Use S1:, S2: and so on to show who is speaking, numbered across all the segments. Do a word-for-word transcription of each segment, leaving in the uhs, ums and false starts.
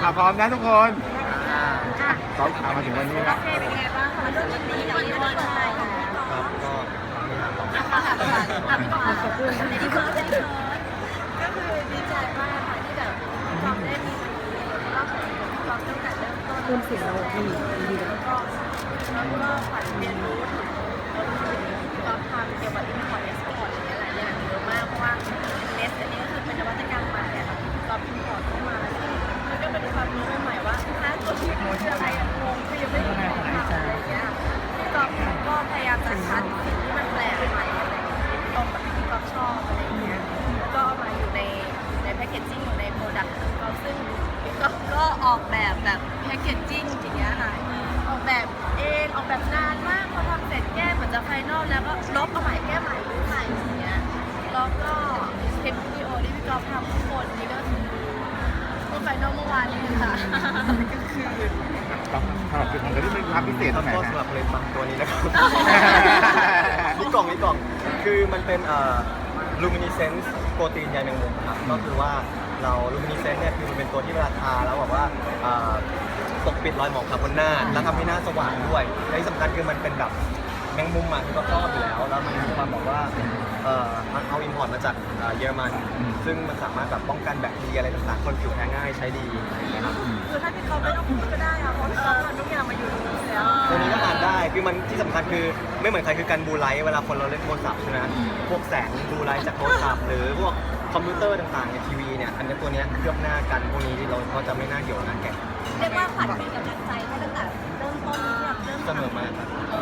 S1: อ่ะพร้อมนะทุกคนพร้อมมาถึงวันนี้แล้ว
S2: เป็นไงบ้างคะรุ่นนี้กับพี่บอลไทย
S3: ครับก็มีหางต่อ
S2: ค่ะค่ะพี่บอลขอบคุณในที่เคิร์ฟในที่เคิร์ฟก็คือดีใจมากค่ะที่แบบความได้มีวันนี้แล้วก็ความตั้งแต่เริ่มต้นเริ่มเสียงเราดีดีแล้วก็แล้วก็ฝันเรียนรู้ถึงความทำเกี่ยวกับอินพอร์ตเอ็กซ์พอร์ตอะไรหลายอย่างเยอะมากเพราะว่าเนสอันนี้ก็คือเป็นนวัตกรรมใหม่อะค่ะที่เราอินพอร์ตเข้ามามันก็เป็นความรู้ใหม่ๆว่าถ้าตัวที่คืออะไรอะงงคือยังไม่รู้ทำอะไรอย่างเงี้ยก็ก็พยายามจะคัดสิ่งที่มันแปลกใหม่อะไรตรงกับที่ก๊อฟชอบอะไรอย่างเงี้ยแล้วก็เอามาอยู่ในในแพคเกจจิ้งอยู่ในโปรดักต์ของก๊อฟซึ่งก็ก็ออกแบบแบบแพคเกจจิ้งอย่างเงี้ยค่ะออกแบบเองออกแบบนานมากพอทำเสร็จแก้เหมือนจะไฟนอลแล้วก็ลบเอาใหม่แก้ใหม่รื้อใหม่อย่างเงี้ยแล้วก็คลิปวิดีโอที่พี่ก๊อฟทำทุกคนนี่ก็คือเมื่อไฟนอลเมื่อวานนี้ค่ะก็คือ
S1: สำหรับจุดของเราที่เป็นความพิเศษตรงไหน
S3: ก็
S1: นะ
S3: สำหรับเลยฟังตัวนี้นะครับ นี่กล่องนี่กล่องคือมันเป็นเอ่อ luminescence โปรตีนใยแมงมุมครับก็คือว่าเรา luminescence เนี่ยคือมันเป็นตัวที่เวลาทาแล้วแบบว่าเอ่อปกปิดรอยหมองคาร์บอนหน้าแล้วทำให้หน้าสว่างด้วยและที่สำคัญคือมันเป็นแบบแมงมุมอ่ะที่ก็ครอบอยู่แล้วแล้วมันมีความแบบว่าเอ่อมันเอาอินพอร์ตมาจากเอ่อเยอรมันซึ่งมันสามารถแบบป้องกันแบคทีเรียอะไรต่างๆคนผิวแพ้ง่ายใช้ดีนะครับ
S2: คือถ้าพี่ก๊อฟไม่ต้องพูดก็ได้อะเพราะพี่ก๊อฟทำทุกอย่างมาอยู่ตรงนี้แล้ว
S3: ตัวนี้ก็อ่านได้ คือมันที่สำคัญคือไม่เหมือนใครคือการบลูไลท์เวลาคนเราเล่นโทรศัพท์ใช่ไหมพวกแสงบลูไลท์จากโทรศัพท์หรือพวกคอมพิวเตอร์ต่างๆในทีวีเนี่ย อันนี้ตัวเนี้ยเคลือบหน้ากันพวกนี้เราก็จะไม่น่าเหี่ยวหน้าแก่
S2: เรียกว่าขวัญเป็นกำลังใจให้ตั้งแต่เริ่มต้นที่แบบเริ่ม
S3: เสมอมาครับ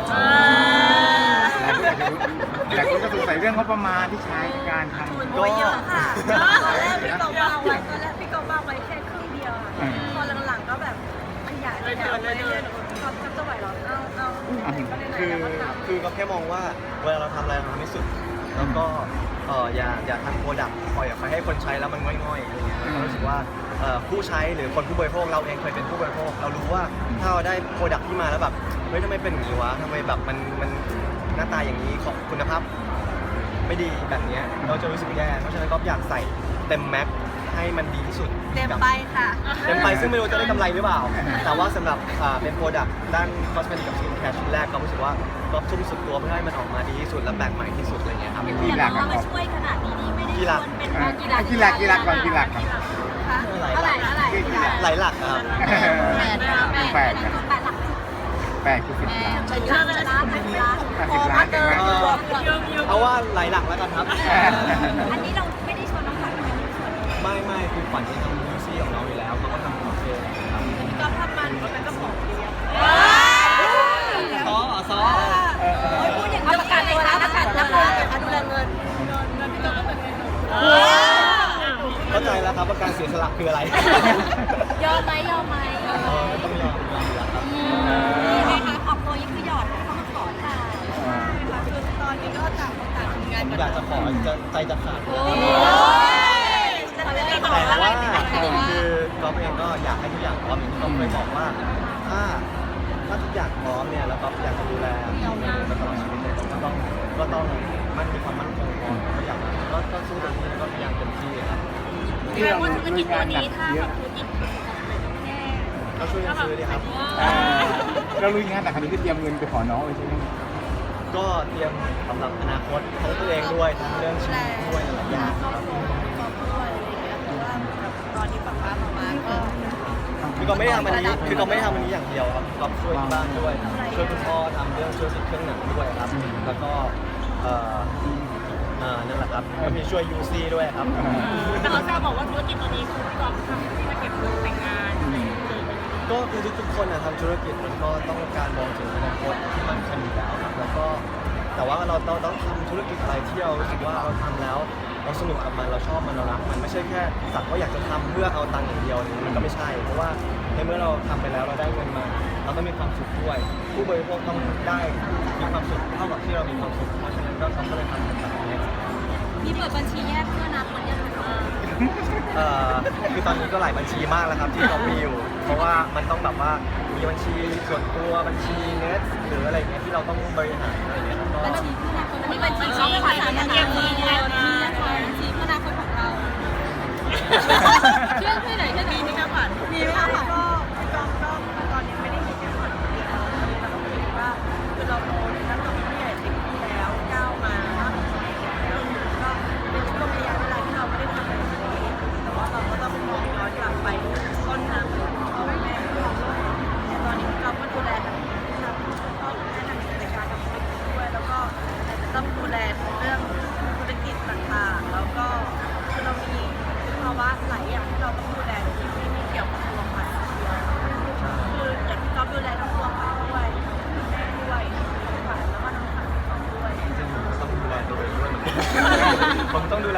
S1: หลายคนก็สงสัยเรื่องงบประมาณที่ใช้ในการทำ
S2: ทุนโอยเยอะค่ะตอนแรกพี่ก๊อฟวางไว้ตอนแรกพี่ก๊อฟวางไว้แค่ครึ่งเดียวอะพอหลังๆก็แบบขยายขยายไปเรื่อยๆก๊อฟจะไหวหรอเอาเอาก็เลย
S3: คือ
S2: แล้วก็ทำ
S3: คือก็แค่มองว่าเวลาเราทำอะไรเราทำให้สุด แล้วก็เอออย่าอย่าทำโปรดักต์ปล่อยออกไปให้คนใช้แล้วมันง่อยๆอะไรเงี้ยเรารู้สึกว่าเอ่อผู้ใช้หรือคนผู้บริโภคเราเองเคยเป็นผู้บริโภคเรารู้ว่าถ้าเราได้โปรดักต์ที่มาแล้วแบบเฮ้ยทำไมเป็นอย่างนี้วะทำไมแบบมันมันหน้าตาอย่างนี้ของคุณภาพไม่ดีแบบเนี้ยเราจะรู้สึกแย่เพราะฉะนั้นก็อยากใส่เต็มแม็กให้มันดีที่สุด
S2: เต็มไปค่ะ
S3: เต็มไปซึ่งไม่รู้จะได้กำไรหรือเปล่า แต่ว่าสำหรับอ่าเป็นโปรดักต์ด้านคอสเมติกกับสกินแคร์ชิ้นแรกก็รู้สึกว่าก็ทุ่มสุดตัวเพื่อให้มันออกมาดีที่สุดและแปลกใหม่ที่สุดอะไรเงี้ยครับ
S1: กีฬากัน
S2: มาช่วยขนาดนี้นี่ไม่ได้ชวนเป็น
S1: กีฬากีฬากีฬาก่อนกีฬาก่อน
S2: คะเท่าไหร่เท่าไหร่
S3: หลายหลักนะครับ
S2: แปดแปดแปดหลัก
S1: แปดคือสิบล้าน
S2: เชื่อเลยนะแปดล้าน
S1: แปดสิบล้านใช่ไหม
S3: เออเอาว่าหลายหลักแล้วกันครับ
S2: อันนี้เราไม่ได้ชวนน้องขวัญมาเป็นชวน
S3: ไม่ไม่คือฝันที่ทำมิวซี่ของเราอยู่แล้วเขาก็ทำของเองครับ
S2: ก็ทำมันก็เป็นเจ้าของเลี้ยง
S3: ซอซอ
S2: พูดอย่างนี้ประกาศตัวแล้วประกาศตัวแล้วดูแลเงินเงินพี่ก็เป็นเงิน
S3: เข้าใจแล้วครับว่าการเสียสละคืออะไร
S2: ยอมไหมยอมไหม
S3: เออต้องยอมยอมอยู่แล้วครับ
S2: นี่ไงคะออกตัวยิ่งคือหยอดเข้ามาขอค่ะคือตอนนี้ก็ต่างคนต่างทำงาน
S3: อยากจะขอจะใจจะขาด
S2: โอ้ย
S3: แต่ว่าคือก๊อฟเองก็อยากให้ทุกอย่างพร้อมอย่างที่ก๊อฟเคยบอกว่าถ้าถ้าทุกอย่างพร้อมเนี่ยแล้วก๊อฟอยากจะดูแลทีมไปตลอดชีวิตเนี่ยก็ต้องก็ต้องมันมีความมั่นคงพอก็อยากก็ก็สู้เต็มที่แล้วก็พยายามเต็มที่ครับ
S1: ที่เราธุรกิจตัวนี้ถ้าแบบธุรกิจ
S3: ก็ช่วยกันซื้อดีครับ
S1: เราลุยงานแต่ครั้งนี้คือเตรียมเงินไปขอน้องเลยใช่ไหม
S3: ก็เตรียมสำหรับอนาคตทั้งตัวเองด้วยทั้งเรื่องชีวิตด้วยหลายอย่างครับ
S2: ตอนนี้ป๊าป๊ามามาก็
S3: คือก็ไม่ได้ทำอันนี้คือก็ไม่ได้ทำอันนี้อย่างเดียวครับก็ช่วยที่บ้านด้วยช่วยคุณพ่อทำเรื่องช่วยสิทธิ์เครื่องหนังด้วยครับแล้วก็เอ่อเอ่อนั่นแหละครับก็มีช่วยยูซีด้วยครับ
S2: แต่เขาแซวบอกว่าธุรกิจตัวนี้คือพี่กอล์ฟทำที่มาเก็บเงินแต่งงาน
S3: ก็คือทุกๆคนนะทำธุรกิจมันก็ต้องการมองถึงอนาคตที่มันคงอยู่แล้วครับแล้วก็แต่ว่าเราเราต้องทำธุรกิจอะไรที่เรารู้สึกว่าเราทำแล้วเราสนุกกับมันเราชอบมันเรารักมันไม่ใช่แค่สักว่าอยากจะทำเพื่อเอาตังค์อย่างเดียวมันก็ไม่ใช่เพราะว่าในเมื่อเราทำไปแล้วเราได้เงินมาเราต้องมีความสุขด้วย ผู้บริโภคต้องได้มีความสุขเท่ากับที่เรามีความสุขเพราะฉะนั้นก็เขาก็เลยทำแบบนี้
S2: มีเปิดบัญชีแยกเพื่ออนาคตยังไงคะ
S3: เอ่อคือตอนนี้ก็หลายบัญชีมากแล้วครับที่เรามีอยู่ เพราะว่ามันต้องแบบว่ามีบัญชีส่วนตัวบัญชีเน็ตหรืออะไรเงี้ยที่เราต้องบริหารอะไรเงี้ยแล้วก็
S2: บัญชีเพื่ออนาคตมีบัญชีช่องขวัญยังเก็บเงินมีนะคะบัญชีเพื่ออนาคตของเราเชื่อเพื่อไหนเชื่อไหนมีไหมคะขวัญมีไหมคะขวัญ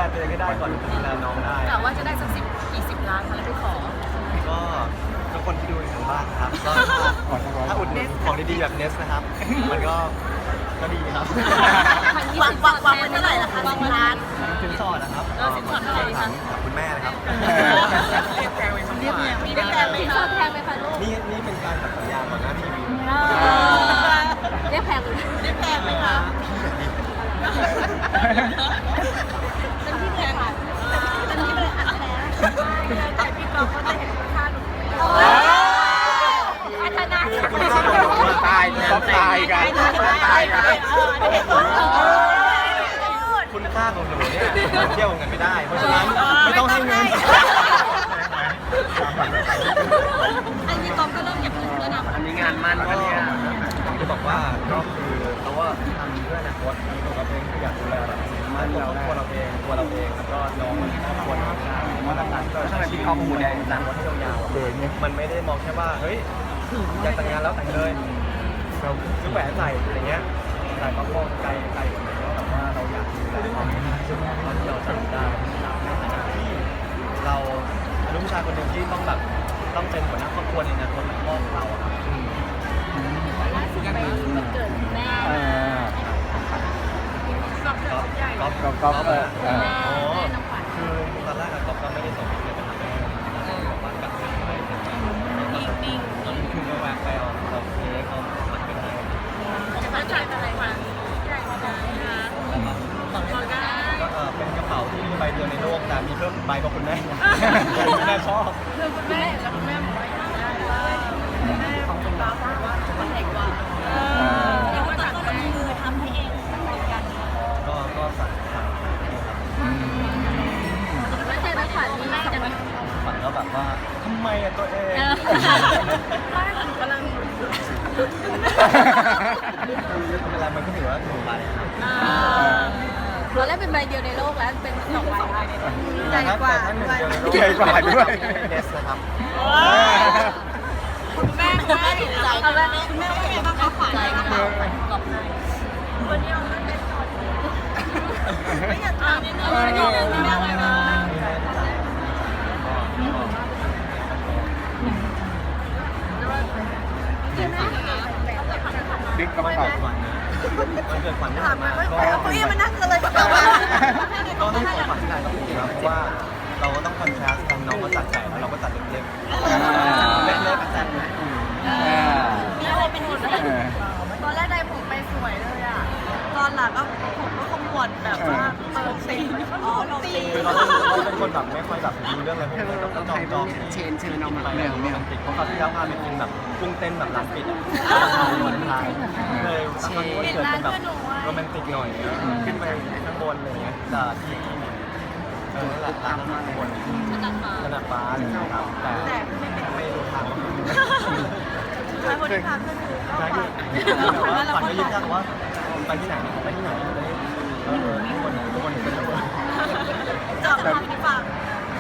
S3: ตัวเองให้ได้ก่อนถึงจะดูแลน้องได้
S2: แต่ว่าจะได้สักสิบกี่สิบล้านคะแล้วไปขอ
S3: ก็ทุกคนที่ดูอยู่ทางบ้านครับก็ถ้าอุดหนุนของดีๆแบบเนสนะครับ มันก็ก็ดีครับ
S2: วางวางวางไว้เท่าไหร่ล่ะคะสิบล้าน
S3: สินสอดนะครับ
S2: เออสินสอดเท่าไหร่คะ
S3: กับคุณแม่นะครับ
S2: เรียกแพงไหมคะเรียกแพงมีเรียกแพงไหมคะแพงไหมคะลูก
S3: นี่นี่เป็นการตัดสัญญาก่อนหน้าทีวี
S2: เรียกแพงเรียกแพงไหมคะเป็นที่แพงอ่ะเป็นที่เลยอัดแล้วแต่พี่กอล์ฟก็จะเห็นค่าหนูพัฒนา
S1: ตายก็ตายกันตายกัน
S3: คุณค่าของหนูเนี่ยเที่ยวกันไม่ได้ เพราะฉะนั้นไม่ต้องให้เงิน
S2: อันนี้กอล์ฟก็เริ่มเก็บเงินแล้วนะ
S3: อันนี้งานมั่นก็เนี่ยจะบอกว่าก็คือเขาว่าทำเพื่ออนาคตตัวเราเองอยากดูแลแบบมั่นเราตัวเราเองตัวเราเองแล้วก็น้องมันครอบครัวเราว่าหลักๆก็ถ้าเป็นพี่ครอบครัวแดงหลังวันที่ยาวๆมันไม่ได้มองแค่ว่าเฮ้ยอยากแต่งงานแล้วแต่งเลยเราซื้อแหวนใส่อะไรเงี้ยแต่ก็มองไกลไกลกว่านั้นว่าแบบว่าเราอยากดูแลเขาตอนที่เราทำได้ในฐานะที่เราลูกผู้ชายคนหนึ่งที่ต้องแบบต้องเป็นหัวหน้าครอบครัวในอนาคตของพ่อเราอะครับ
S2: ล่าสุดไปวันเกิดแม่
S1: เออ
S3: ก๊อฟ
S1: ก๊อฟก๊อฟเออเออ
S2: แม่น้องขวัญ
S3: คือตอนแรกอะก๊อฟก็ไม่ได้ส่งเงินไปทำแม่ของขวัญกับอะไรจริงจริงคือก็แวะไปเอาเอาเค้กเอาขวัญไปให้
S2: จะมาจ่ายอะไรขวัญใหญ่กว่านะบอกได้
S3: ก็เออเป็นกระเป๋าที่มีใบเดียวในโลกแต่มีเพิ่มใบของคุณแม่คุณแม่ชอบ
S2: คือคุณแม่แล้วคุณแม่บอกว่าอยากได้ว่าแม่ของคุณป้าบอกว่ามันใหญ่กว่าแล้วก็ตัดก็ลงมือทำให้เองเหมือนกัน
S3: ก็ก็สั่งสั่งให้ครับ
S2: ไม่ใช่ไม่ขวัญนี่แม่จะมา
S3: ขวัญก็แบบว่าทำไมอะตัวเอง
S2: บ้านกำลัง
S3: เวลามันก็ถือว่าถูกไปครับ
S2: ตอนแรกเป็นใบเดียวในโลกแล้วเป็นสองใบใหญ่กว่า
S3: แต่ถ้าหนึ่งเดียวในโลก
S1: ใหญ่กว่าด้วย
S3: เนสนะครับ
S2: คุณแม่คุณแม่ถูกใจคุณแม่คุณแม่ว่าไงบ้างคะขวัญใจกระเป๋าขวัญกรอบในวันนี้เอาเงินไปก่อนไม่อยากถามนิดนึงไม่อยากถามนิดนึงนะคือแม่
S1: ดึกกระเป๋า
S3: มันเกิดฝันที่
S2: ถา
S3: ผ่าม น
S2: มา
S3: มา
S2: ว่า
S3: ก็
S2: เก้าอี้มันนั่งกันเลยกระเป๋า
S3: ก็ให้ของขวัญที่ไหนก็ถูกครับเพราะว่าเราก็ต้องคอนทราสต์กันน้องก็จัดใหญ่แล้วเราก็จัดเล็กๆเล็กๆจัดใหญ่
S2: มีอะไรเป็นหุ่นเลยตอนแรกได้ผมไปสวยเลยอ่ะตอนหลังก็ผมก็ขมวดแบบว่าเปิดสีอ๋อลงสี
S3: คือเราเป็นคนแบบไม่ค่อยแบบดูเรื่องอะไรพวกนี้ต้องจองจองเชนเชนเอามาเรื่องโรแมนติกเพราะคราวที่แล้วพาไปกินแบบกุ้งเต้นแบบร้านปิดวันไทยเลยครั้งนี้วันเกิดเป็นแบบโรแมนติกหน่อยขึ้นไปข้างบนอะไรเงี้ยแต่ที่เออนั่นแหละร้านข้างบนขนาดฟ้าเลยครับแต่ไม่รู้ทาง
S2: ใช่คนที่ทำก็คือก็
S3: ใช่
S2: ฝั
S3: คื
S2: น
S3: อแต่ว่าฝันก็ยืนยันว่าไปที่ไหนไปที่ไหนเลยเออทุกคนทุกคนเป็นทุกคน
S2: จะทำที่ฝั่ง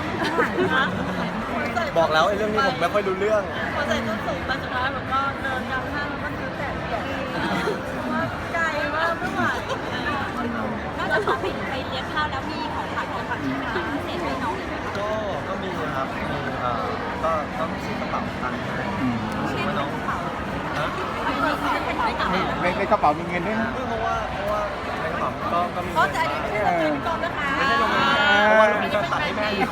S3: บอกแล้วไอ้เรื่องนี้ผมไม่ค่อยรู้เรื่อง
S2: พอใส่ต้นสูงมาสุดท้ายผมก็เดินยำห้างแล้วก็ซื้อแต่เปียกว่าไกลมากไม่ไหวนอกจากของผิดไปเลี้ยงข้าวแล้วมีของฝากของฝากที่ร้านเศษให้น้องเลยไหมคะ
S3: ก็ก็มีครับมีเอ่อก็ก็ซื้อกระเป๋าตังค์ให้ซื้อว่าน้องฮะ
S1: ในในกระเป๋ามีเงินด้วยนะ
S3: เพราะว่าเพราะว่าในกระเป๋าก็ก็มี
S2: ก็จะอันนี้ไม่ใช่เราเป็นกองนะคะ
S3: ไม่ใช่ลงเงินเพราะว่าลงเงินก็ตัดให้แม่อยู่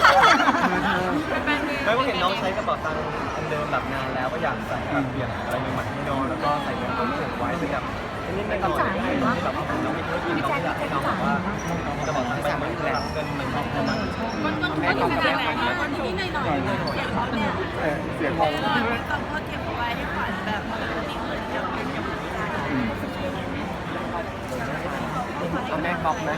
S3: ไม่ว่าเห็นน้องใช้กระเป๋าตังค์อันเดิมแบบนานแล้วก็อยากใส่แบบเปลี่ยนอะไรใหม่ๆให้น้องแล้วก็ใส่เงินต้นสูงไว้ซึ่งแบบนี่ไม่ต้องจ่ายให้น้องแบบน้องมีธุรกิจน้องอยากให้น้องแบบว่ากระเป๋าตังค์ไปเหมือนเงินมันเข้ามา
S2: มันก็ขนาดไหนคะมันนิดหน่อยๆอย่างเขาเนี่ย
S1: เออเสียงงง
S2: ก็ก็เก็บเอาไว้ให้ขวัญแบบนี่เหมือนกับเป็นอย่างนี้
S3: เอาแม่ก๊อฟไหม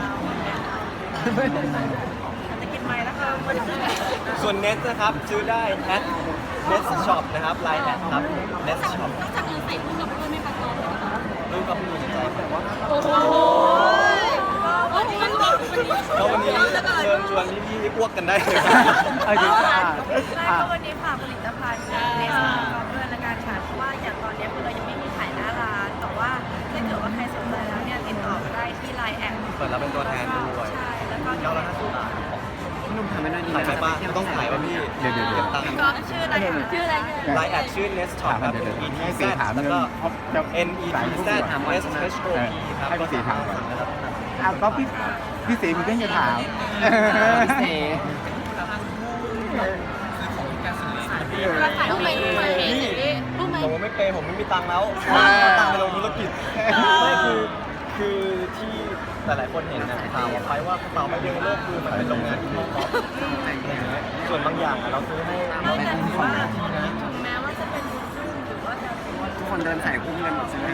S2: จะกินไหมแล้วก็มันจะ
S3: ส่วนเน็ตนะครับซื้อได้แอดเน็ตช็อปนะครับไลน์แอดครับเน็ตช็อป
S2: นอกจากเงินใส่คู่กับด้วยไม่ประกอบเลยนะคะ
S3: ลูกก็มีในใจแต่ว่า
S2: โอ้โหวันนี้วันนี้
S3: แล้ววันนี้เชิญชวนพี่ๆอ้วกกันได้เลย
S1: เออจริงอ่ะ
S2: ใช่
S1: อ่ะ
S2: ก็วันนี้ฝากผลิตภัณฑ์ในสำหรับด้วยและการขายเพราะว่าอย่างตอนนี้คือเรายังไม่มีขายหน้าร้านแต่ว่าถ้าเกิดว่าใครสนใจแล้วเนี่ยติดต่อมาได้ที่ไลน์แอด
S3: เปิดรับเป็นตัวแทนด้วย
S2: ใช่แล้วก็
S3: ก้าร้อยห้าสิบบาท
S4: พี่นุ่มทำไม่ได้ดี
S3: ถ่ายไปป่ะไม่ต้องถ่ายป่ะพี่
S1: เดี๋ยวเดี๋ยวเดี๋ยว
S3: ก็บตังค์
S2: ก็ชื่ออะไรชื่ออะไรเนี่ย
S3: ไลน์แอดชื่อ Nest Shop ครับ
S1: เดี๋ยวเดี๋ยว
S3: E T
S1: ให้
S3: Z
S1: สีถาม
S3: แล้ว
S1: เรื่
S3: ก็
S1: องจะ
S3: N E T Z S H O P ครับ
S1: ให้พี่สีถามก่อน
S3: นะครับ
S1: อ้าวก็พี่พี่สีมีเรื่องจะถาม
S4: พี่เส
S2: เราถ่ายรูปไหมรูปไหมรูปไหม
S3: ผมไม่เปย์ผมไม่มีตังค์แล้ว
S1: อ่า
S3: เอาตังค์ไปลงธุรกิจไม่คือคือที่หลายๆคนเห็นนะข่าวออกไปว่าเปล่าไม่เยอะโลกคือมันเป็นโรงงานที่มอก๊อฟอะไรอย่างเงี้ยส่วนบางอย่างอะเราซื้อให้
S2: ไม่แต่
S3: ให้
S2: ถือ
S3: คน
S2: ว่า
S3: นะ
S2: ถึงแม้ว่าจะเป็นบุญซึ่งหรือว่าจะถือว่า
S4: ทุกคนเดินสายคุ้มกันหมดใช่ไหม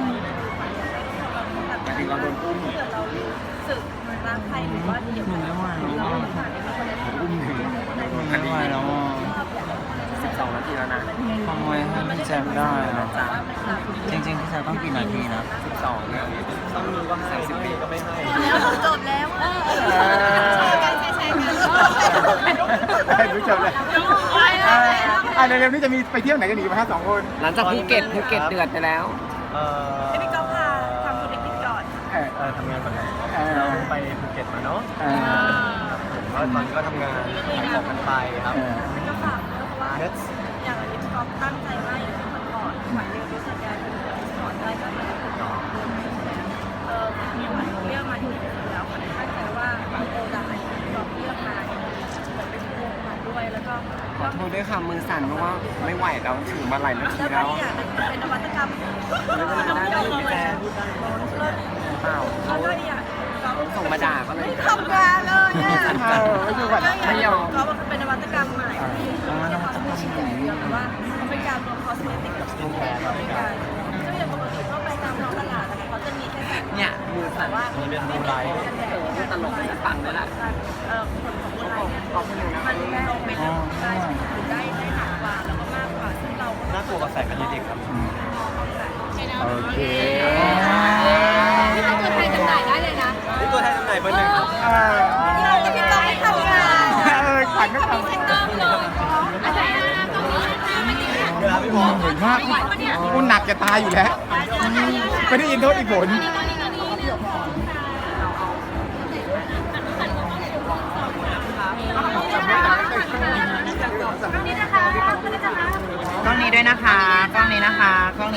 S4: หมายถึงเราโดนอุ้ม
S2: เกิดเรารู้สึกรักใครหรือว่าเดี๋ยวเราเราผ่านในคนนั้น
S4: อุ้มถึง
S5: ไม่ไหวแล้วอ่ะ
S4: สิบสองนาทีแล้วนะ
S5: ทำไมให้พี่แจมได้อะจริงๆพี่แจมต้องกี่นาทีนะ
S4: สิบสองเนี่ย
S3: ต้องมีก็ให้สิบปีก็ไม่ให้
S2: แล้วจบแล้วอ่ะการแชร์กัน
S1: ให้รู้จบเลยอ่าเร็วๆนี้จะมีไปเที่ยวไหนกันอีกไหมฮะสองคน
S4: หลังจากภูเก็ตภูเก็ตเดือดไปแล้ว
S3: เอ่อ
S2: พี่ก๊อฟพาทำธุรกิจก่อน
S1: เออ
S3: เอ่อทำงานก่อนนะ
S1: เออ
S3: เราไปภูเก็ตมาเนาะ
S1: เออ
S3: แล้วตอนนี้ก็ทำงานขายของกันไปครับ
S1: เออ
S2: ก็ฝากเพราะว่า
S3: เน็ต
S2: อย่างที่ก๊อฟตั้งใจมากอย่างที่คนก่อนหมายเรียนรู้สึกการเป็นสอนได้ก็เป็นคนก่อนเออมีหมายเรียกมาที่นี่แล้วคนตั้งใจว่าโปรดักต์ที่ก๊อฟเรียกมาเนี่ยเหมือนเป็นวงมาด้วยแล้วก็
S4: ขอโทษด้วยค่ะมือสั่นเพราะว่าไม่ไหวแล้วถือมาหลายนาที
S2: แล้วก็
S4: แล้ว
S2: อีกอย่างหนึงเป็นนวัตกรรม
S4: ไม่เป็นไรได้พี่แจมเปล่า
S2: แล้
S4: เขา
S2: วก็อีกอย่างก๊อฟ
S4: ส่งมาด่าก็เลย
S2: ไม่ทำงานเลยอ่ะ
S1: เออไม่อยู่ก่อน
S4: ไม่ยอม
S2: ก็มันเป็นนวัตกรรมใหม่ที่ไม่ใช่คอสเมติกอย่างเดียวแต่ว่ามันเป็นการรวมคอสเมติกกับสกินแคร์เข้าด้วยกันซึ่งอย่างปกติเข้าไปตามท้องตลาดนะคะเขาจะมีแค่แบบ
S4: เนี่ยมือสั่น
S2: ว่า
S3: มีเป็นบูไลท์
S4: ตลกจะฟังเลยล่ะ
S2: เอ่อผลของบูไลท์เนี่ยมันได้เป็นได้ได้ได้หนักกว่าแล้วก็มากกว่าซึ่งเราก็
S3: น่ากลัวกับแสงกันเด็กครับ
S1: โอเค
S2: นี่เป็นตัวแทนจำหน่ายได้เลยนะ
S3: นี่ตัวแทนจำหน่ายเบอร์หนึ่งครับ
S1: เออ
S2: เราจะไม่ต้องไปทำงาน
S1: เออขวัญก็ทำ
S2: อาจารย์ตรงนี้ไม่ดีนะ
S3: เวลาพี่พอ
S1: เหมือนมากกูหนักจะตายอยู่แล้วไม่ได้ยินโทษอีกผล
S4: กล้องนี้ด้วยนะคะ กล้องนี้นะคะ กล้องนี้